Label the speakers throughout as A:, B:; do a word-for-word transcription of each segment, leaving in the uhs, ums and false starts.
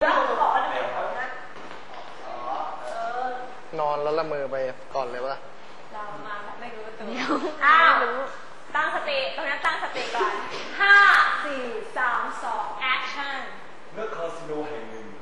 A: นอนแล้วละเมอไปก่อนเลยวะ
B: เรามาไม่รู้ตัวอ้าวตั้งสติตรงนั้นตั้งสติก่อนห้าสี่สามสอง action
C: ณคาสิโนแห่งหนึ่ง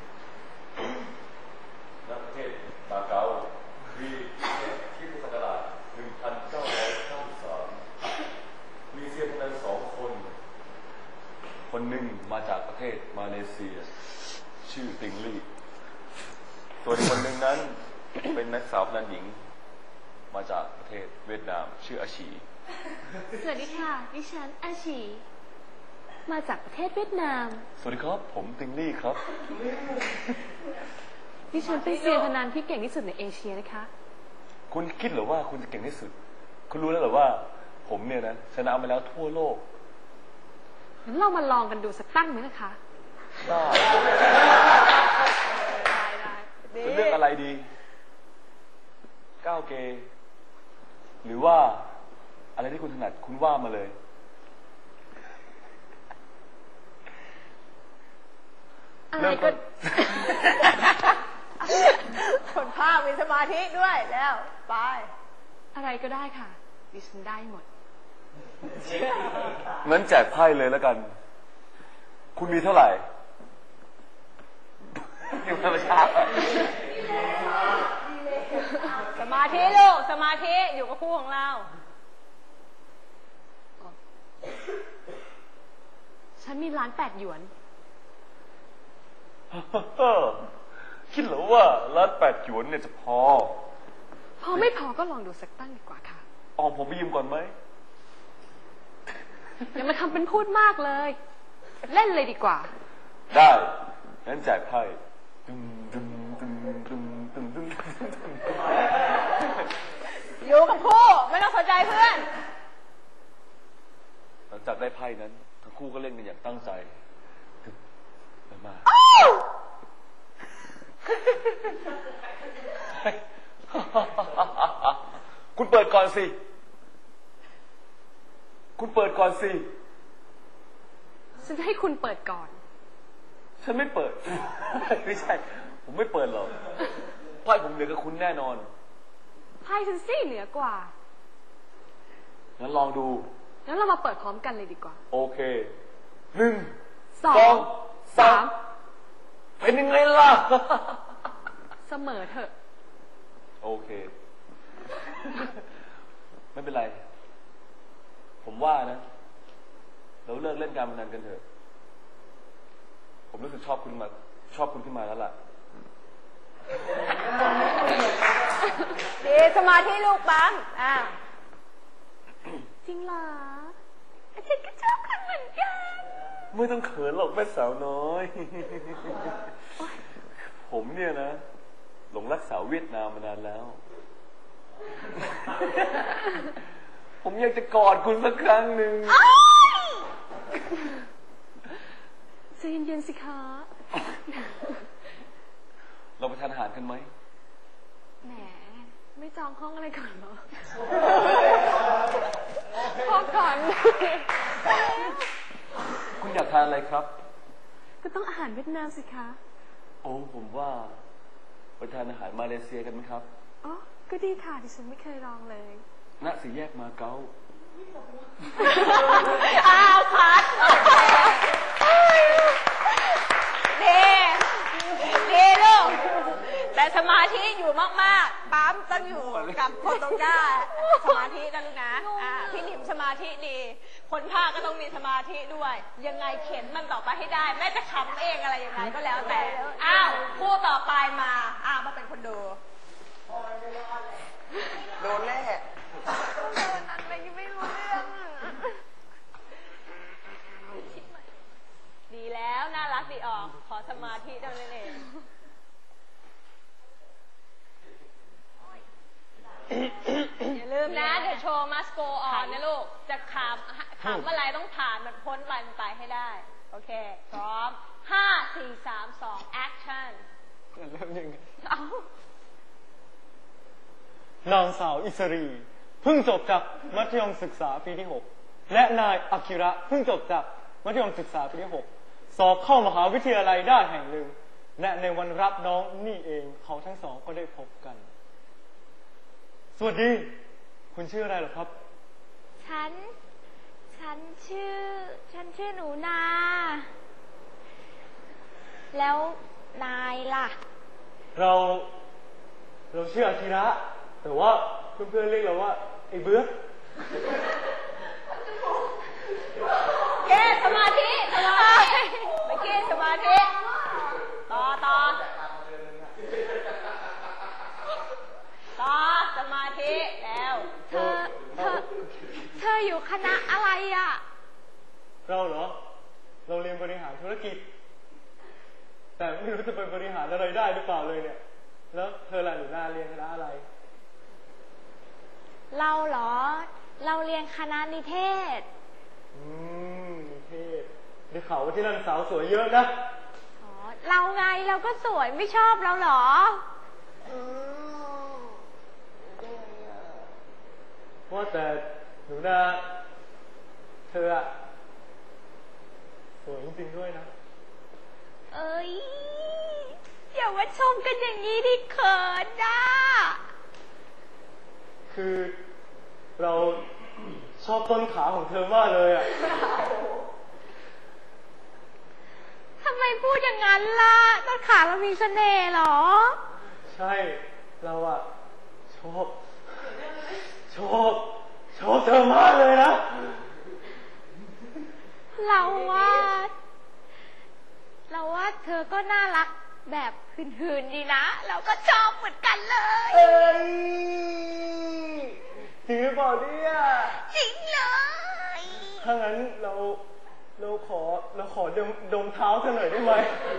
C: ณประเทศมาเก๊าปีที่พุทธศักราชหนึ่งพันเก้าร้อยเก้าสิบสามมีเซียนพนันสองคนคนหนึ่งมาจากประเทศมาเลเซียชื่อติงลี่ส่วนคนหนึ่งนั้นเป็นนักสาวพนันหญิงมาจากประเทศเวียดนามชื่ออาชี
D: สวัสดีค่ะดิฉันอาชีมาจากประเทศเวียดนาม
C: สวัสดีครับผมติงลี่ครับ
D: ดิฉันเป็นเซียนพนันที่เก่งที่สุดในเอเชียนะคะ
C: คุณคิดหรือว่าคุณจะเก่งที่สุดคุณรู้แล้วหรือว่าผมเนี่ยนะชนะมาแล้วทั่วโลก
D: งั้นเรามาลองกันดูสักตั้งไหมนะคะ
C: ได้จะเลือกอะไรดีก้าวเกย์หรือว่าอะไรที่คุณถนัดคุณว่ามาเลย
D: อะไรก็
B: คนภาคมีสมาธิด้วยแล้วไป
D: อะไรก็ได้ค่ะดิฉันได้หมด
C: งั้นแจกไพ่เลยแล้วกันคุณมีเท่าไหร่อยู่ธรรมชาติ
B: สมาธิลูกสมาธิอยู่กับคู่ของเรา
D: ฉันมีล้านแปดหยวน
C: คิดเหรอว่าล้านแปดหยวนเนี่ยจะพอ
D: พอไม่พอก็ลองดูสักตั้งดีกว่าค่ะ
C: อ๋อผมไปยืมก่อนไหม
D: อย่ามาทำเป็นพูดมากเลยเล่นเลยดีกว่า
C: ได้งั้นแจกไพ่ตึมตึมตึมตึมตึมตึม
B: อยู่กับคู่ไม่ต้องสนใจเพื่อน
C: หลังจากได้ไพ่นั้นทั้งคู่ก็เล่นกันอย่างตั้งใจมาคุณเปิดก่อนสิคุณเปิดก่อนสิ
D: ฉันจะให้คุณเปิดก่อน
C: ฉันไม่เปิดไม่ใช่ผมไม่เปิดหรอกไพ่ผมเหนือกับคุณแน่นอน
D: ไพ่ฉันซี่เหนือกว่า
C: งั้นลองดู
D: งั้นเรามาเปิดพร้อมกันเลยดีกว่า
C: โอเคหนึ่ง
D: สองสาม
C: เป็นยังไงล่ะ
D: เสมอเถอะ
C: โอเคไม่เป็นไรผมว่านะเราเลิกเล่นการพนันกันเถอะผมรู้สึกชอบคุณมาชอบคุณขึ้นมาแล้วล่ะ
B: ดีสมาธิลูกปั๊มอ่า
D: จริงเหรออาจารย์ก็ชอบคุณเหมือนกัน
C: ไม่ต้องเขินหรอกแม่สาวน้อยผมเนี่ยนะหลงรักสาวเวียดนามมานานแล้วผมอยากจะกอดคุณสักครั้งหนึ่ง
D: ใจเย็นๆสิคะ
C: เราไปทานอาหารกันไหม
D: แหมไม่จองห้องอะไรก่อนเหรอพอก่อน
C: คุณอยากทานอะไรครับ
D: ก็ต้องอาหารเวียดนามสิคะ
C: โอ้ผมว่าไปทานอาหารมาเลเซียกันไหมครับ
D: อ๋อก็ดีค่ะดิฉันไม่เคยลองเลย
C: ณสี่แยกมาเก๊า
B: อ้าวพัดดีดีลูกแต่สมาธิอยู่มากๆปั๊มต้องอยู่กับคนตรงหน้าสมาธิกันลูกนะอ่าพี่หนิมสมาธิดีคนภาคก็ต้องมีสมาธิด้วยยังไงเข็นมันต่อไปให้ได้แม้จะขำเองอะไรยังไงก็แล้วแต่อ้าวคู่ต่อไปมาอ้าวมาเป็นคนดู
A: โดนแน่
D: เดินอะไรยังไม่รู้เรื่อง
B: ดีแล้วน่ารักดีออกขอสมาธิเท่านั้นเองอย่าลืมนะเดี๋ยวโชว์มัสโกออนนะลูกจะขำขำอะไรต้องผ่านมันพ้นไปมันไปให้ได้โอเคพร้อมห้าสี่สามสองแอคชั่น
A: เริ่มยังไง
B: เอา
E: นางสาวอิสรีเพิ่งจบจากมัธยมศึกษาปีที่หกและนายอากิระเพิ่งจบจากมัธยมศึกษาปีที่หกสอบเข้ามหาวิทยาลัยได้แห่งหนึ่งและในวันรับน้องนี่เองเขาทั้งสองก็ได้พบกัน สวัสดี คุณชื่ออะไรเหรอครับ
D: ฉัน ฉันชื่อ ฉันชื่อหนูนา แล้วนายล่ะ
E: เรา เราชื่ออาทิระแต่ว่าเพื่อนๆเรียกเราว่าไอ้เบื้อ
B: แกสมาธิสมาธิเมื่อกี้สมาธิต่อต่อต่อสมาธิแล้ว
D: เธอ เธอ เธออยู่คณะอะไรอ่ะ
E: เราเหรอ เราเรียนบริหารธุรกิจ แต่ไม่รู้จะไปบริหารอะไรได้หรือเปล่าเลยเนี่ย แล้วเธอล่ะหนูนาเรียนคณะอะไร
D: เราเหรอ เราเรียนคณะนิเทศ
E: อืมนิเทศได้ข่าวว่าที่นั่นสาวสวยเยอะนะ
D: อ๋อ เราไงเราก็สวยไม่ชอบเราเหรอ
E: ว่าแต่หนูนาเธออะสวยจริงๆด้วยนะ
D: เอ้ยอย่ามาชมกันอย่างนี้ดิเขินนะ
E: คือเราชอบต้นขาของเธอมากเลยอ่ะ
D: ทำไมพูดอย่างนั้นล่ะต้นขาเรามีเสน่ห์เหรอ
E: ใช่เราอ่ะชอบชอบชอบเธอมากเลยนะ
D: เราว่า เราว่าเธอก็น่ารักแบบหืนๆดีนะ เราก็ชอบเหมือนกันเลย
E: เอ้ยจริงหรือเปล่าเนี่ย
D: จริงเลย
E: ถ้างั้นเราเราขอเราขอดมดมเท้าเธอหน่อยได้ไหม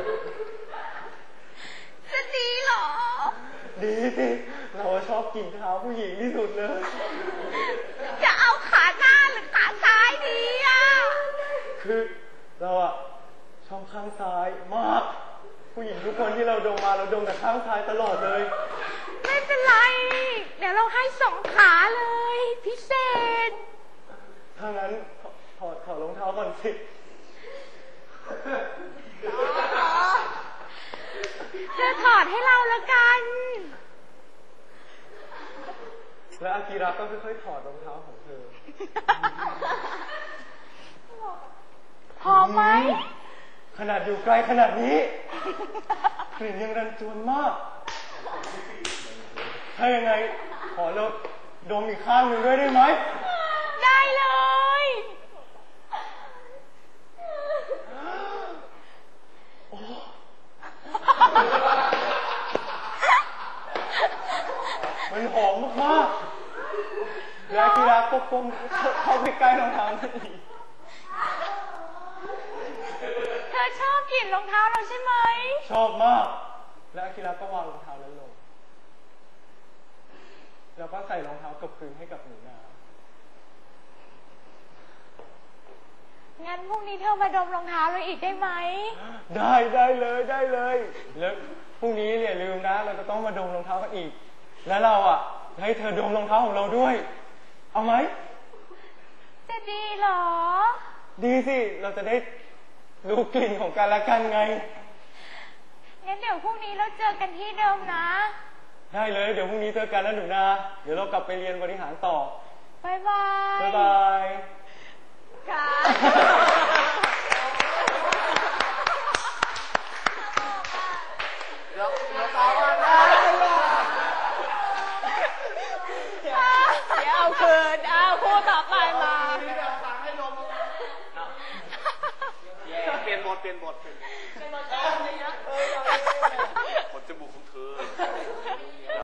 D: จะดีเหรอ
E: ดีสิเราชอบกลิ่นเท้าผู้หญิงที่สุดเลย
D: จะเอาขาหน้าหรือขาซ้ายดีอ่ะ
E: คือเราอะชอบข้างซ้ายมาก ผู้หญิงทุกคนที่เราดมมาเราดมแต่ข้างซ้ายตลอดเลย
D: ไม่เป็นไร เดี๋ยวเราให้สองขาเลย พิเศษ
E: ถ้างั้นถถอดถอดรองเท้าก่อนสิ
D: เธอถอดให้เราละกัน
E: และอากิระก็ค่อยๆถอดรองเท้าของเธอ
D: พอไหม
E: ขนาดอยู่ไกลขนาดนี้กลิ่นยังรันจวนมาก ถ้ายังไงขอเราดมอีกข้างหนึ่งด้วยได้ไหม
D: ได้เลย
E: มันหอมมากๆและอากิระก็ก้มเข้าไปใกล้รองเท้านั่นอีก
D: เธอชอบกลิ่นรองเท้าเราใช่ไหม
E: ชอบมาก และอากิระก็วางรองเท้านั้นลง แล้วก็ใส่รองเท้ากลับคืนให้กับหนูนา
D: งั้นพรุ่งนี้เธอมาดมรองเท้าเราอีกได้ไหม
E: ได้ได้เลยได้เลย แล้วพรุ่งนี้อย่าลืมนะ เราจะต้องมาดมรองเท้ากันอีก แล้วเราอ่ะให้เธอดมรองเท้าของเราด้วย เอาไหม
D: จะดีเหรอ
E: ดีสิ เราจะได้รู้กลิ่นของกันและกันไง
D: งั้นเดี๋ยวพรุ่งนี้เราเจอกันที่เดิมนะ
E: ได้เลย เดี๋ยวพรุ่งนี้เจอกันนะหนูนา เดี๋ยวเรากลับไปเรียนบริหารต่อ
D: บ๊ายบาย
E: บ๊ายบาย
B: ค่ะ
A: เดี๋ยวเดี๋ยวต่อมาได้
B: เดี๋ยวเอาคืนเอาคู่ต่อไปมา
A: สั่งให้นมเปลี่ยนบทเปลี่ยนบทเปลี่ยนบท
B: เป็นบทเยอะ
C: ผลจมูกของเธอ